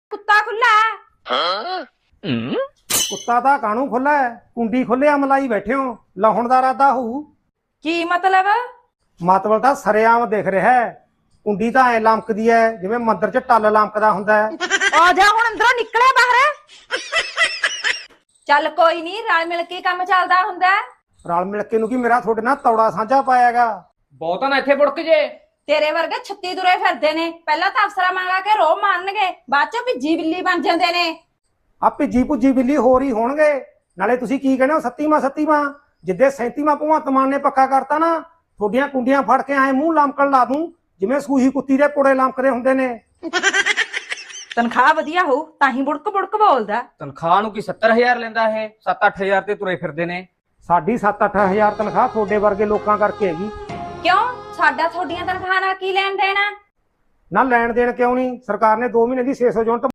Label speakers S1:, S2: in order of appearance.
S1: ਕੁੱਤਾ ਖੁੱਲਾ ਹੈ।
S2: ਕੁੱਤਾ ਤਾਂ ਕਾਣੂ ਖੁੱਲਾ ਹੈ, ਕੁੰਡੀ ਖੁੱਲਿਆ ਮਲਾਈ ਬੈਠੇ ਹੋ, ਲਾਹੁਣ ਦਾ ਇਰਾਦਾ ਹੋਊ।
S1: ਕੀ ਮਤਲਬ?
S2: ਮਤਲਬ ਤਾਂ ਸਰੇਆਮ ਦਿਖ ਰਿਹਾ ਹੈ। ਕੁੰਡੀ ਤਾਂ ਐ ਲਮਕਦੀ ਹੈ ਜਿਵੇਂ ਮੰਦਰ 'ਚ ਟੱਲ ਲਮਕਦਾ ਹੁੰਦਾ ਹੈ।
S1: ਆ ਜਾ ਹੁਣ ਅੰਦਰੋਂ ਨਿਕਲੇ ਬਾਹਰ। ਚੱਲ ਕੋਈ ਨਹੀਂ, ਰਲ ਮਿਲ ਕੇ ਕੰਮ ਚੱਲਦਾ ਹੁੰਦਾ।
S2: ਰਲ ਮਿਲ ਕੇ ਨੂੰ ਕੀ ਮੇਰਾ ਤੁਹਾਡੇ ਨਾਲ ਤੌੜਾ ਸਾਂਝਾ ਪਾਇਆਗਾ।
S3: ਬਹੁਤਾ ਨਾ ਇੱਥੇ ਬੁੜਕ ਜੇ।
S1: ਤੇਰੇ ਵਰਗੇ 36 ਤੁਰੇ ਫਿਰਦੇ ਨੇ, ਪਹਿਲਾਂ ਤਾਂ ਅਫਸਰਾਂ ਮੰਗਾ ਕੇ ਰੋਹ ਮਾਰਨਗੇ, ਬਾਅਦ ਚੋਂ ਭਿੱਜੀ ਬਿੱਲੀ ਬਣ ਜਾਂਦੇ ਨੇ।
S2: ਆ ਭਿੱਜੀ ਭੁੱਜੀ ਬਿੱਲੀ ਹੋਰ ਹੀ ਹੋਣਗੇ। ਨਾਲੇ ਤੁਸੀਂ ਕੀ ਕਹਿੰਦੇ ਹੋ 37ਵਾਂ ਜਿੱਦੇ 37ਵਾਂ ਭਗਵੰਤ ਮਾਨ ਨੇ ਪੱਕਾ ਕਰਤਾ ਨਾ, ਤੁਹਾਡੀਆਂ ਕੁੰਡੀਆਂ ਫੜ ਕੇ ਐ ਮੂੰਹ ਲਮਕਣ ਲਾ ਦੂੰ ਜਿਵੇਂ ਸੂਹੀ ਕੁੱਤੀ ਦੇ ਪੁੜੇ ਲਮਕਦੇ ਹੁੰਦੇ ਨੇ।
S1: ਤਨਖਾਹ ਵਧੀਆ ਹੋ ਤਾਂ ਹੀ ਬੁੜਕ ਬੁੜਕ ਬੋਲਦਾ।
S3: ਤਨਖਾਹ ਨੂੰ ਕੀ 70,000 ਲੈਂਦਾ ਇਹ? 7-8 ਤੇ ਤੁਰੇ ਫਿਰਦੇ ਨੇ।
S2: ਸਾਡੀ 7-8 ਹਜ਼ਾਰ ਤਨਖਾਹ ਤੁਹਾਡੇ ਵਰਗੇ ਲੋਕਾਂ ਕਰਕੇ ਹੈਗੀ।
S1: ਕਿਉਂ? ਸਾਡਾ ਤੁਹਾਡੀਆਂ ਤਨਖਾਹਾਂ ਨਾਲ ਕੀ ਲੈਣ ਦੇਣਾ?
S2: ਨਾ ਲੈਣ ਦੇਣ ਕਿਉਂ ਨਹੀਂ, ਸਰਕਾਰ ਨੇ 2 ਮਹੀਨੇ ਦੀ 600 ਯੂਨਿਟ